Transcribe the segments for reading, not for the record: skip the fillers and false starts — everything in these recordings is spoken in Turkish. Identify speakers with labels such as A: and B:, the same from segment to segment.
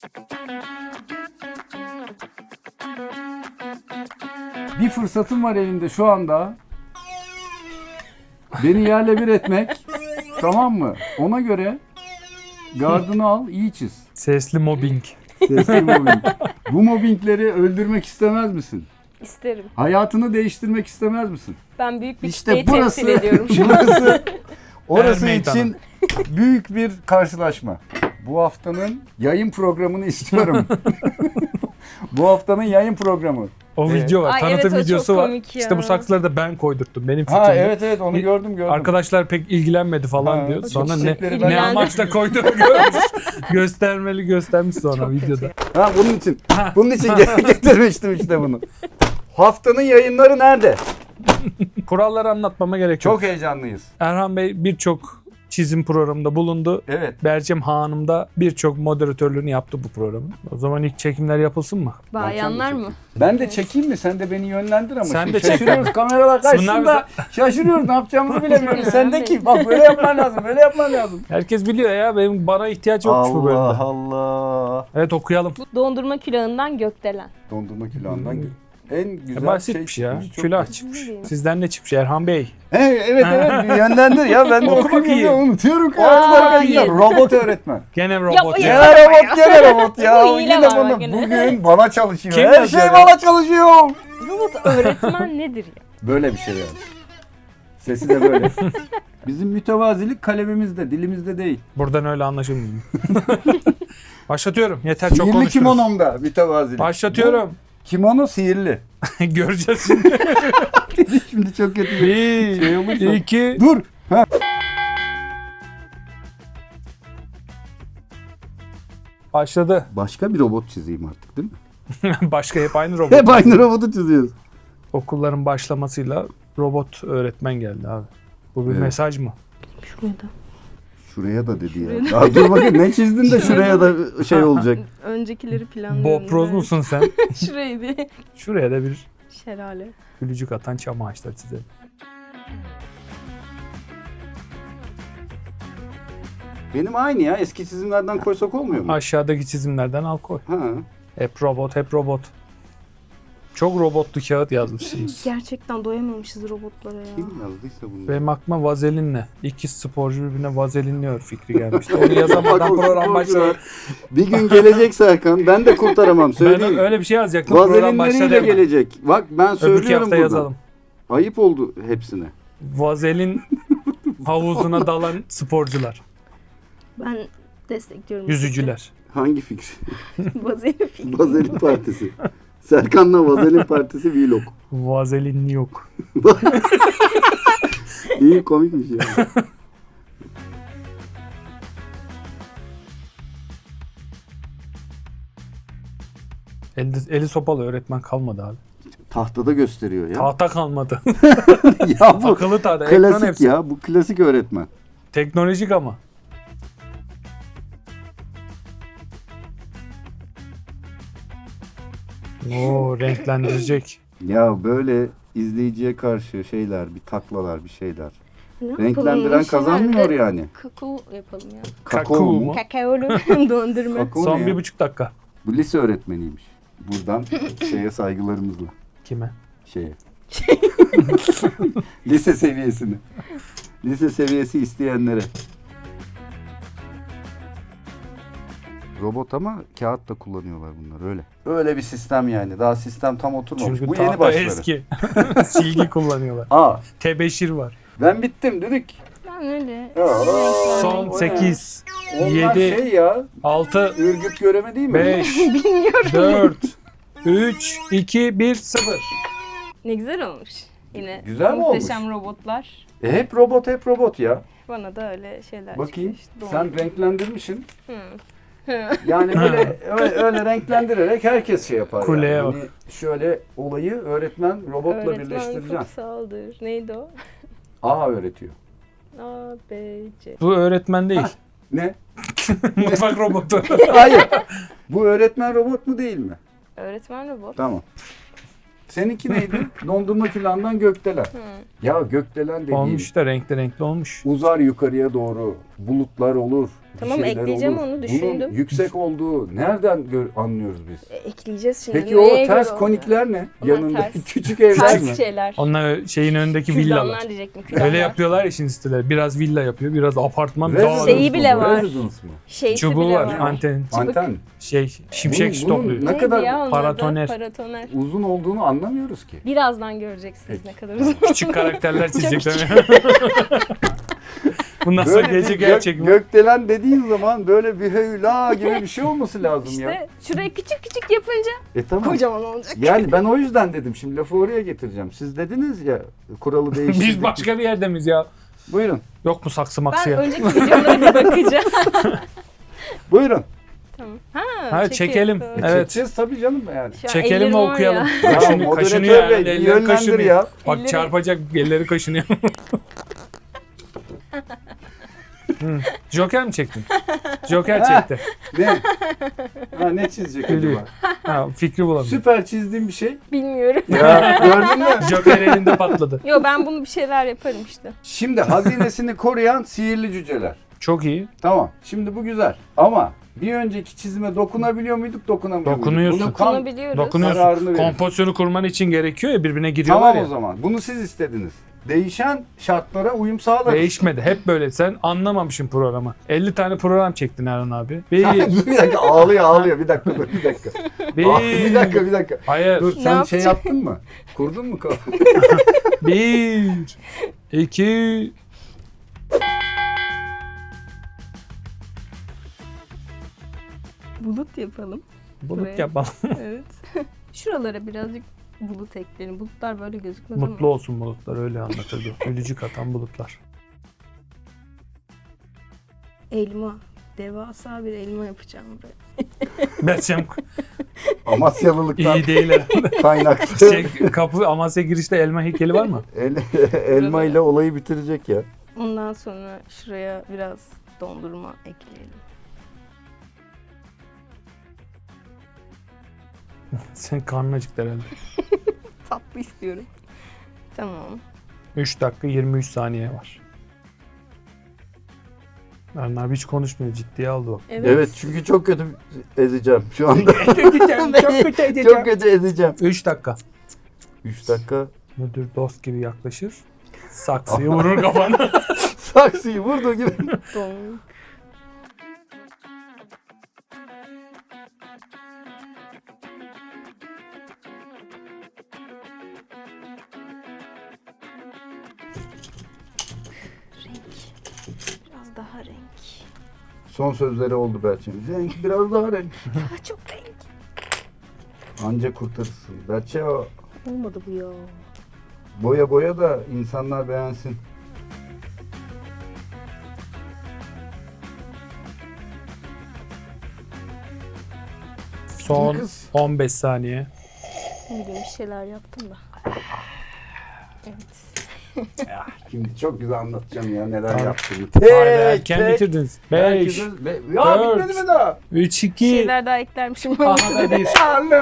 A: Bir fırsatım var elinde şu anda. Beni yerle bir etmek. Tamam mı? Ona göre gardını al, iyi çiz.
B: Sesli mobbing.
A: Sesli mobbing. Bu mobbingleri öldürmek istemez misin?
C: İsterim.
A: Hayatını değiştirmek istemez misin?
C: Ben büyük bir
A: İşte
C: kitleyi
A: burası,
C: temsil ediyorum.
A: orası
B: Her
A: için büyük bir karşılaşma. Bu haftanın yayın programını istiyorum. Bu haftanın yayın programı.
B: O video var.
C: Ay,
B: Tanıtım
C: evet, o çok
B: videosu var.
C: komik ya.
B: İşte bu saksıları da ben koydurttum. Benim fikrimdi.
A: Ha evet onu gördüm.
B: Arkadaşlar pek ilgilenmedi falan
A: Ha,
B: diyor.
A: çok
B: Sonra
A: çiçekleri
B: ne
A: ben-
C: İlgilendi.
B: amaçla koyduğunu görmüş. Göstermiş sonra
C: Çok
B: videoda.
C: kötü.
A: Ha bunun için. Bunun için getirmiştim işte bunu. Haftanın yayınları nerede?
B: Kuralları anlatmama gerek yok.
A: Çok heyecanlıyız.
B: Erhan Bey birçok çizim programında bulundu.
A: Evet.
B: Bercem Hanım da birçok moderatörlüğünü yaptı bu programın. O zaman ilk çekimler yapılsın mı?
C: Bayanlar mı?
A: Ben de çekeyim mi? Sen de beni yönlendir ama.
B: Sen
A: Şimdi
B: de çek
A: şaşırıyoruz
B: beni.
A: kameralar karşısında.
B: Bunlar
A: Şaşırıyoruz ne yapacağımızı bilemiyoruz. Sen de ki bak böyle yapman lazım. Böyle yapman lazım.
B: Herkes biliyor ya, benim bana ihtiyaç yokmuş bu bölümde.
A: Allah Allah.
B: Evet, okuyalım.
C: Dondurma külahından gökdelen.
A: Dondurma külahından en güzel
B: Basitmiş
A: şey
B: ya.
A: çıkmış, çok
B: Külah
A: basit.
B: çıkmış.
C: Ne bileyim.
B: Sizden ne çıkmış Erhan Bey?
A: Evet bir yönlendir ya ben de
B: Oku
A: okuyayım
B: bakayım.
A: ya unutuyorum ki.
C: Hayır.
A: Robot öğretmen.
B: Gene robot
C: Yapmayın.
B: ya.
C: Ya.
A: Gene robot ya.
C: Bu hile
A: Yine
C: var
A: bana
C: bak yine.
A: bugün bana çalışıyor.
B: Kim
A: Her
B: yazıyor
A: şey
B: ya?
A: bana çalışıyor.
C: Robot öğretmen nedir ya?
A: Böyle bir şey yani. Sesi de böyle. Bizim mütevazilik kalemimizde, dilimizde değil.
B: Buradan öyle anlaşılmıyor. Başlatıyorum. Yeter, çok
A: Sihirli
B: konuştunuz.
A: kimonomda mütevazilik.
B: Başlatıyorum.
A: Bu kimono sihirli.
B: Göreceğiz şimdi.
A: Şimdi çok kötü bir şey olursa.
B: 1, 2,
A: Dur. Ha.
B: başladı.
A: Başka bir robot çizeyim artık değil mi?
B: Başka hep aynı robot.
A: Hep aynı robotu çiziyoruz.
B: Okulların başlamasıyla robot öğretmen geldi abi. Bu bir
A: Evet.
B: mesaj mı?
C: Şurada.
A: Şuraya da dedi ya. Daha dur bakayım ne çizdin de şuraya da şey olacak.
C: Öncekileri planlıyorum.
B: Bob Ross musun sen?
C: Şurayı bir
B: Şuraya da bir
C: şelale.
B: gülücük atan çam ağaçları çizelim.
A: Benim aynı ya. Eski çizimlerden koysak olmuyor mu?
B: Aşağıdaki çizimlerden al koy.
A: Ha.
B: Hep robot, hep robot. Çok robotlu kağıt yazmışsınız.
C: Gerçekten doyamamışız robotlara ya.
A: Kim yazdıysa bunu?
B: Benim aklıma vazelinle, iki sporcu birbirine vazelinliyor fikri gelmişti. Onu yazamadan program başladı.
A: Bir gün gelecek Serkan. Ben de kurtaramam
B: Ben
A: söyleyeyim.
B: öyle bir şey yazacaktım. Program başladı.
A: Vazelinleriyle gelecek. Bak ben
B: Öbürki
A: söylüyorum
B: hafta
A: buradan.
B: yazalım.
A: Ayıp oldu hepsine.
B: Vazelin havuzuna dalan sporcular,
C: Ben destekliyorum.
B: yüzücüler.
A: Hangi fikri?
C: Vazelin fikri.
A: Vazelin Partisi. Serkan'la Vazelin Partisi vlog.
B: Vazelinli yok.
A: İyi komikmiş ya.
B: Eli sopalı öğretmen kalmadı abi.
A: Tahtada gösteriyor ya.
B: Tahta kalmadı.
A: Ya bu
B: Akıllı tahta. Ekran
A: klasik
B: hepsi.
A: ya. Bu klasik öğretmen.
B: Teknolojik ama. Oo, renklendirecek.
A: Ya böyle izleyiciye karşı şeyler, bir taklalar, bir şeyler.
C: Ne yapalım?
A: Renklendiren kazanmıyor yani.
C: Kakao yapalım ya.
A: Kakao mu?
C: Kakaolu dondurma.
A: Kakao
B: Son
A: ne ya?
B: 1,5 dakika.
A: Bu lise öğretmeniymiş. Buradan şeye saygılarımızla.
B: Kime?
A: Şeye. Lise seviyesini. Lise seviyesi isteyenlere. Robot ama kağıt da kullanıyorlar bunlar öyle. Öyle bir sistem yani. Daha sistem tam oturmamış.
B: Çünkü
A: Bu yeni
B: tahta
A: başları.
B: eski. Silgi kullanıyorlar.
A: Aa,
B: Tebeşir var.
A: ben bittim dedik.
C: Ben öyle.
B: Son
A: o ne?
B: 8,
A: Onlar
B: 7,
A: şey ya.
B: 6,
A: Ürgüp göreme değil mi?
B: 5, 4, 3, 2, 1, 0.
C: Ne güzel olmuş. Yine
A: Güzel mi
C: muhteşem robotlar.
A: Hep robot ya.
C: Bana da öyle şeyler
A: Bakayım.
C: çıkmış.
A: Sen renklendirmişsin.
C: Hı.
A: Yani öyle renklendirerek herkes şey yapar.
B: Kuleye
A: yani.
B: bak.
A: Hani şöyle olayı öğretmen robotla
C: Öğretmen
A: birleştireceksin.
C: kutsaldır. Neydi o?
A: A öğretiyor.
C: A, B, C.
B: Bu öğretmen değil.
A: Ne?
B: Mutfak robotu.
A: Hayır. Bu öğretmen robot mu değil mi?
C: Öğretmen robot.
A: Tamam. Seninki neydi? Dondurma külahından gökdelen. Ya gökdelen dediğin
B: Olmuş da renkli olmuş.
A: uzar yukarıya doğru. Bulutlar olur.
C: Tamam,
A: bir şeyler
C: ekleyeceğim,
A: olur.
C: onu düşündüm.
A: Bunun yüksek olduğu nereden anlıyoruz biz?
C: Ekleyeceğiz şimdi.
A: Peki
C: Neye
A: o ters
C: göre
A: konikler ne?
C: Onlar
A: Yanındaki
C: ters.
A: küçük evler
C: Ters
A: mi?
C: şeyler.
B: Onlar şeyin önündeki villalar.
C: Kürdanlar diyecektim. Kürdanlar.
B: Öyle yapıyorlar ya şimdi siteler. Biraz villa yapıyor, biraz apartman.
A: Residence
C: Şeyi
A: mı
C: bile
A: bu?
C: var.
A: Residence mı?
C: Şeysi
B: Çubuğu
C: bile
B: var,
C: var.
B: anten.
A: Anten.
B: Şimşek
A: Bunun
B: topluyor.
A: ne
C: Neydi
A: kadar
C: ya onun adı?
B: paratoner.
C: Paratoner.
A: uzun olduğunu anlamıyoruz ki.
C: Birazdan göreceksiniz
A: Peki.
C: ne kadar uzun.
B: Küçük karakterler çizecekler. Bundan sonra
A: Böyle
B: gece
A: bir
B: gerçek mi?
A: gökdelen dediğin zaman böyle bir höyla gibi bir şey olması lazım ya.
C: İşte şurayı küçük küçük yapınca
A: Tamam.
C: kocaman olacak.
A: Yani ben o yüzden dedim. Şimdi lafı oraya getireceğim. Siz dediniz ya kuralı değiştirdik.
B: Biz başka bir yerde miyiz ya?
A: Buyurun.
B: Yok mu saksı maksı
C: Ben
B: ya?
C: önceki videolara bir bakacağım.
A: Buyurun.
C: Tamam.
B: Ha, çekelim.
C: Evet.
B: Evet.
A: Çekeceğiz tabii canım yani.
C: Şu an
B: Çekelim
C: ellerim
B: ve
C: var
B: okuyalım.
C: ya.
A: Ya
B: Kaşınıyor
A: moderatör bey,
B: yani,
A: bir
B: elleri
A: yönlendir
B: kaşınıyor.
A: ya.
B: Bak
C: Elleri-
B: çarpacak, elleri kaşınıyor. Joker mi çektin? Joker çekti.
A: Ne? Ha, ne çizecek
B: Gülüyor.
A: acaba?
B: Ha, fikri bulamıyorum.
A: Süper çizdiğim bir şey.
C: Bilmiyorum.
A: Ya gördün mü?
B: Joker elinde patladı.
C: Yo, ben bunu bir şeyler yaparım işte.
A: Şimdi hazinesini koruyan sihirli cüceler.
B: Çok iyi.
A: Tamam. Şimdi bu güzel. Ama bir önceki çizime dokunabiliyor muyduk, dokunamıyor muyduk?
B: Dokunuyorsun.
A: Bunu tam-
C: Dokunubiliyoruz.
A: Kararını
B: Dokunuyorsun.
A: verin.
B: Kompozisyonu kurman için gerekiyor ya, birbirine giriyorlar
A: Tamam
B: ya.
A: o zaman. Bunu siz istediniz. Değişen şartlara uyum sağlarız.
B: Değişmedi. Hep böyle. Sen anlamamışsın programı. 50 tane program çektin Erhan abi. Bir.
A: Bir dakika ağlıyor. Bir dakika dur bir dakika. Bir dakika.
B: Hayır.
A: Dur
C: Ne
A: sen şey
C: yapacağım?
A: yaptın mı? Kurdun mu kafanı?
B: 1 2
C: Bulut yapalım.
B: Bulut
C: Buraya.
B: yapalım.
C: Evet. Şuralara birazcık bulut ekleyelim. Bulutlar böyle gözükmez
B: Mutlu
C: ama.
B: olsun bulutlar, öyle anlatırdı. Ölücük atan bulutlar.
C: Elma. Devasa bir elma yapacağım buraya.
B: Berçem
A: Amasyalılıktan
B: iyi değil herhalde.
A: kaynaklı.
B: Kapı Amasya girişte elma heykeli var mı?
A: Elma ile olayı bitirecek ya.
C: Ondan sonra şuraya biraz dondurma ekleyelim.
B: Sen karnın acıktı herhalde.
C: Tatlı istiyorum. Tamam.
B: 3 dakika 23 saniye var. Erhan abi hiç konuşmuyor, ciddiye aldı bak.
A: Evet çünkü çok kötü ezeceğim şu anda.
B: Çok
A: Çok kötü ezeceğim.
B: 3 dakika.
A: 3 dakika.
B: Müdür dost gibi yaklaşır. Saksıyı vurur kafana.
A: Saksıyı vurduğu gibi.
C: Donk. Renk. Biraz daha renk.
A: Son sözleri oldu Berçem'in. Renk biraz daha renk.
C: Daha çok renk.
A: Anca kurtarırsın. Berçe o
C: Olmadı bu ya.
A: boya da insanlar beğensin.
B: Son
A: Kız.
B: 15 saniye.
C: Bugün bir şeyler yaptım da. Evet.
A: Şimdi çok güzel anlatacağım ya neler
B: Tamam.
A: yaptığımı.
B: Haydi erken bitirdiniz. 5
A: Herkesin- Ya
B: dört,
A: bitmedi mi daha?
B: 3
C: Bir
B: 2
C: şeyler daha eklermişim.
B: Aha da 1.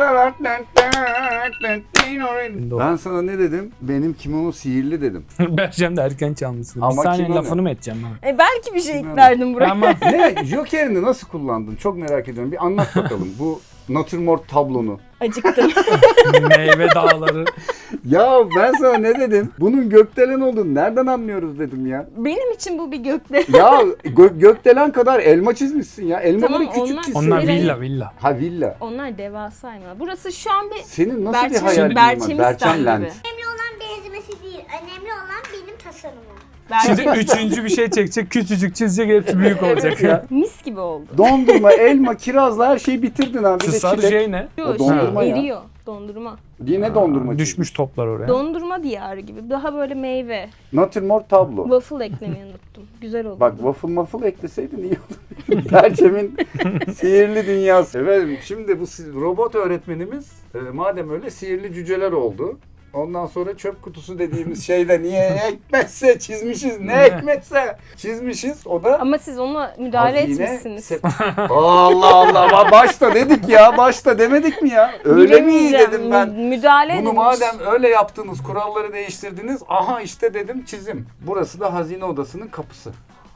A: Ben sana ne dedim? Benim kimono sihirli dedim.
B: Berçem de erken çalmışsın. Bir
A: Ama
B: saniye
A: kimono.
B: lafını mı edeceğim ben?
C: Belki bir şey
A: Bilmiyorum.
C: eklerdim buraya.
B: Ama
A: Ne? Joker'ini nasıl kullandın? Çok merak ediyorum. Bir anlat bakalım bu natürmort tablonu.
C: Acıktım.
B: meyve dağları.
A: Ya ben sana ne dedim? Bunun gökdelen olduğunu nereden anlıyoruz dedim ya.
C: Benim için bu bir gökdelen.
A: Ya gökdelen kadar elma çizmişsin ya. Elmaları
C: Tamam,
A: küçük
C: onlar-
A: çizsin.
B: Onlar
C: Hayır,
B: villa.
A: Ha villa.
C: Onlar devasa hayvanlar. Burası şu an bir
A: Senin nasıl bir
C: Berçem-
A: hayalin var?
C: Berçemistan
A: Berçem Land.
C: gibi.
D: Önemli olan benzemesi değil. Önemli olan benim tasarımım.
B: Şimdi üçüncü bir şey çekecek, küçücük çizecek, hepsi büyük olacak.
A: ya.
C: Mis gibi oldu.
A: Dondurma, elma, kirazla her şeyi bitirdin abi. Bir
B: Şu
A: de
B: sarı
A: çilek.
B: şey ne?
C: Şu
A: dondurma ya.
C: eriyor. Dondurma.
A: Yine dondurma
B: Düşmüş toplar oraya.
C: Dondurma diyarı gibi. Daha böyle meyve.
A: çizmiş. Natürmort tablo.
C: Waffle eklemeyi unuttum. Güzel oldu.
A: Bak waffle ekleseydin iyi olur. Berçem'in sihirli dünyası. Efendim şimdi bu robot öğretmenimiz madem öyle sihirli cüceler oldu. Ondan sonra çöp kutusu dediğimiz şeyde niye ekmetse çizmişiz. Ne ekmetse çizmişiz. O da
C: Ama siz ona müdahale
A: hazine
C: etmişsiniz.
A: Allah Allah. Başta dedik ya. Başta demedik mi ya? Öyle mi
C: Bilemeyeceğim.
A: dedim ben.
C: Müdahale
A: Bunu
C: edilmiş.
A: madem öyle yaptınız, kuralları değiştirdiniz. Aha işte dedim çizim. Burası da hazine odasının kapısı.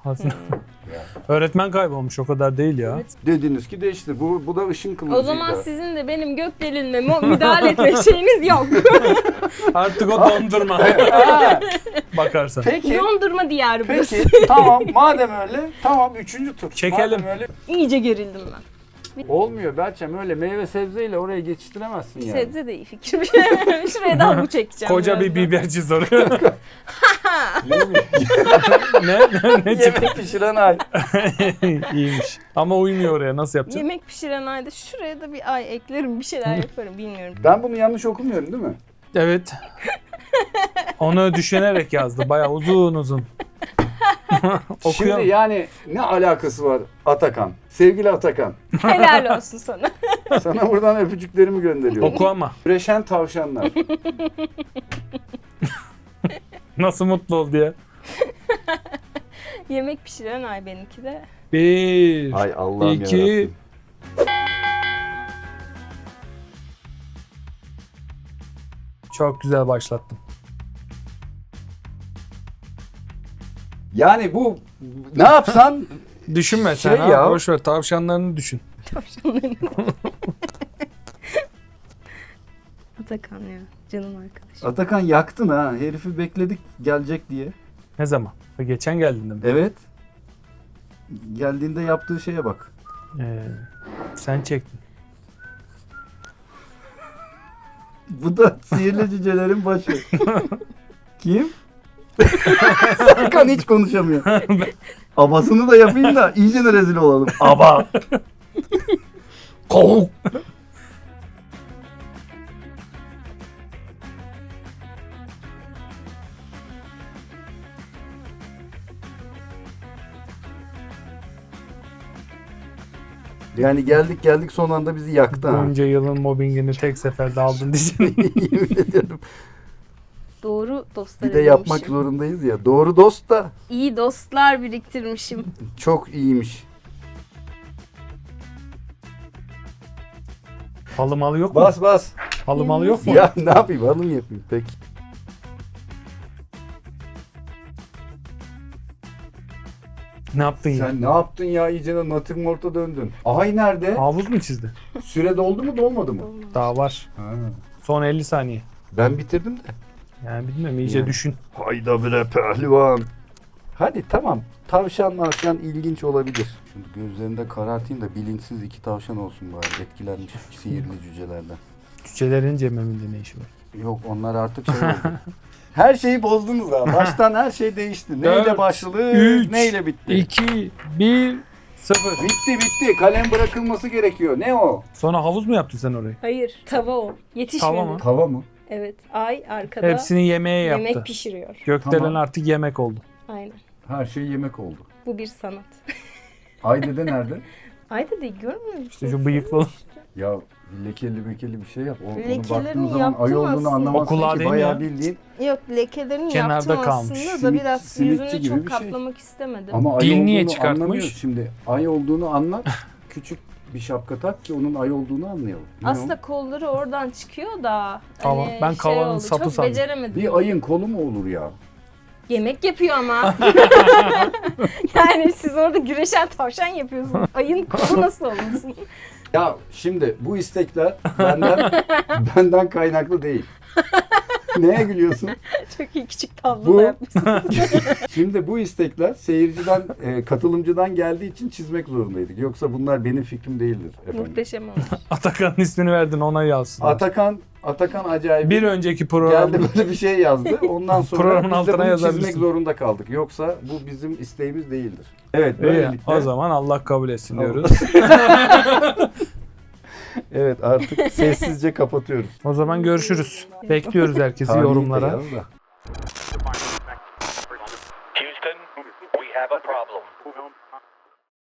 B: Aslında. Öğretmen kaybolmuş, o kadar değil ya.
C: Evet.
A: Dediniz ki değişti. Bu da ışın kılıcıydı.
C: O zaman sizin de benim gökdelenime müdahale etme şeyiniz yok.
B: Artık o dondurma.
A: Ha,
B: Bakarsan.
A: Peki.
C: Dondurma diyarı burası.
A: Peki tamam madem öyle tamam 3. tur.
B: Çekelim.
A: Madem öyle
C: İyice gerildim ben.
A: olmuyor Berçem öyle meyve sebzeyle oraya geçiştiremezsin yani.
C: Sebze de iyi fikir. Şuraya da bu çekeceğim.
B: Koca bir
C: birazdan.
B: biberci soruyor.
A: Ne bileyim,
B: ne çıktı?
A: yemek pişiren ay.
B: İyiymiş. Ama uymuyor oraya, nasıl yapacağım?
C: Yemek pişiren ayda şuraya da bir ay eklerim, bir şeyler yaparım, bilmiyorum.
A: Ben bunu yanlış okumuyorum değil mi?
B: Evet. Onu düşünerek yazdı. Bayağı uzun uzun.
A: Şimdi
B: Okuyalım.
A: yani ne alakası var Atakan? Sevgili Atakan.
C: Helal olsun sana.
A: Sana buradan öpücüklerimi gönderiyorum.
B: Oku ama.
A: Üreşen tavşanlar.
B: Nasıl mutlu oldu ya.
C: Yemek pişiren ay benimki de.
B: 1,
A: Ay Allah'ım
B: 2,
A: yarabbim.
B: çok güzel başlattın.
A: Yani bu ne yapsan
B: Düşünme
A: Şey
B: sen ha.
A: ya.
B: Boş ver, tavşanlarını düşün.
C: Tavşanların. Atakan ya, canım arkadaşım.
A: Atakan yaktın ha. Herifi bekledik gelecek diye.
B: Ne zaman? Geçen geldiğinde mi?
A: Evet. Geldiğinde yaptığı şeye bak.
B: Sen çektin.
A: Bu da sihirli cücelerin başı. Kim? Serkan hiç konuşamıyor. Abasını da yapayım da iyice de rezil olalım. Aba. Kovuk. Yani geldik son anda bizi yaktı ha.
B: Bunca yılın mobbingini tek seferde aldın diyeceğim.
A: Yemin ediyorum.
C: Doğru dostlar
A: Bir de yapmak
C: edinmişim.
A: zorundayız ya. Doğru dost da
C: İyi dostlar biriktirmişim.
A: çok iyiymiş.
B: Halı malı yok mu?
A: Bas.
B: Halı malı yok mu?
A: Ya ne yapayım hanım yapayım peki.
B: Ne yaptın ya?
A: Sen ne yaptın ya iyice de natürmort'a döndün. Ay nerede?
B: Havuz mu çizdi?
A: Süre doldu mu dolmadı mı?
B: Daha var.
A: Ha.
B: Son 50 saniye.
A: Ben bitirdim de.
B: Yani bilmiyorum, iyice
A: Yani.
B: düşün.
A: Hayda bre pehlivan. Hadi tamam. Tavşan mavşan ilginç olabilir. Şimdi gözlerinde karartayım da bilinçsiz 2 tavşan olsun bari. Etkilenmiş sihirli cücelerden.
B: Cücelerin cememinde ne işi var?
A: Yok onlar artık şey oldu. Her şeyi bozdunuz ha. Baştan her şey değişti. Neyle
B: Dört,
A: başladı,
B: üç,
A: neyle bitti.
B: 2, 1, 0.
A: Bitti. Kalem bırakılması gerekiyor. Ne o?
B: Sonra havuz mu yaptın sen orayı?
C: Hayır, tava o. Yetişmedi.
B: Tava mı?
A: Tava mı?
C: Evet, ay arkada
B: Hepsini yemeğe yaptı.
C: yemek pişiriyor.
B: Gökdelen
A: Tamam.
B: artık yemek oldu.
C: Aynen.
A: Her şey yemek oldu.
C: Bu bir sanat.
A: Ayde'de nerede?
C: Ay da değil, görmüyor musun?
B: İşte şu bıyıklı.
A: Ya lekeli bir şey yap. Onu
C: Lekelerini
A: baktığın zaman
C: yaptım
A: ay olduğunu
C: aslında.
A: anlamazsın
B: Okula
A: ki.
B: değil mi
A: Bayağı
B: ya?
A: bildiğin.
C: Yok, lekelerini
B: Kenarda
C: yaptım
B: kalmış.
C: aslında da biraz
A: Simitçi
C: yüzünü
A: gibi
C: çok
A: bir şey.
C: kaplamak istemedim.
A: Ama ay
B: Dil niye
A: olduğunu
B: çıkartmış?
A: anlamıyoruz. Şimdi ay olduğunu anlat. Küçük bir şapka tak ki onun ay olduğunu anlayalım. Ne o?
C: Aslında kolları oradan çıkıyor da.
B: Tamam,
C: hani
B: ben kavanın
C: oldu,
B: sapı
C: çok
B: sandım.
C: beceremedim.
A: Bir ayın kolu mu olur ya?
C: Yemek yapıyor ama. Yani siz orada güreşen tavşan yapıyorsunuz. Ayın kolu nasıl olmasın?
A: Ya şimdi bu istekler benden kaynaklı değil. Neye gülüyorsun?
C: Çok iyi küçük tablo
A: Bu-
C: da yapmışsınız.
A: Şimdi bu istekler seyirciden, katılımcıdan geldiği için çizmek zorundaydık. Yoksa bunlar benim fikrim değildir efendim.
C: Muhteşem olmuş.
B: Atakan'ın ismini verdin, ona yazsın.
A: Atakan acayip
B: Bir önceki program.
A: geldi böyle bir şey yazdı. Ondan sonra
B: Programın
A: biz de
B: altına
A: bunu
B: yazabilirsin.
A: çizmek zorunda kaldık. Yoksa bu bizim isteğimiz değildir. Evet
B: İyi,
A: böylelikle.
B: o zaman Allah kabul etsin
A: Tamam.
B: diyoruz.
A: Evet artık sessizce kapatıyoruz.
B: O zaman görüşürüz. Bekliyoruz herkesi
A: Tarihte
B: yorumlara.
A: yaz da.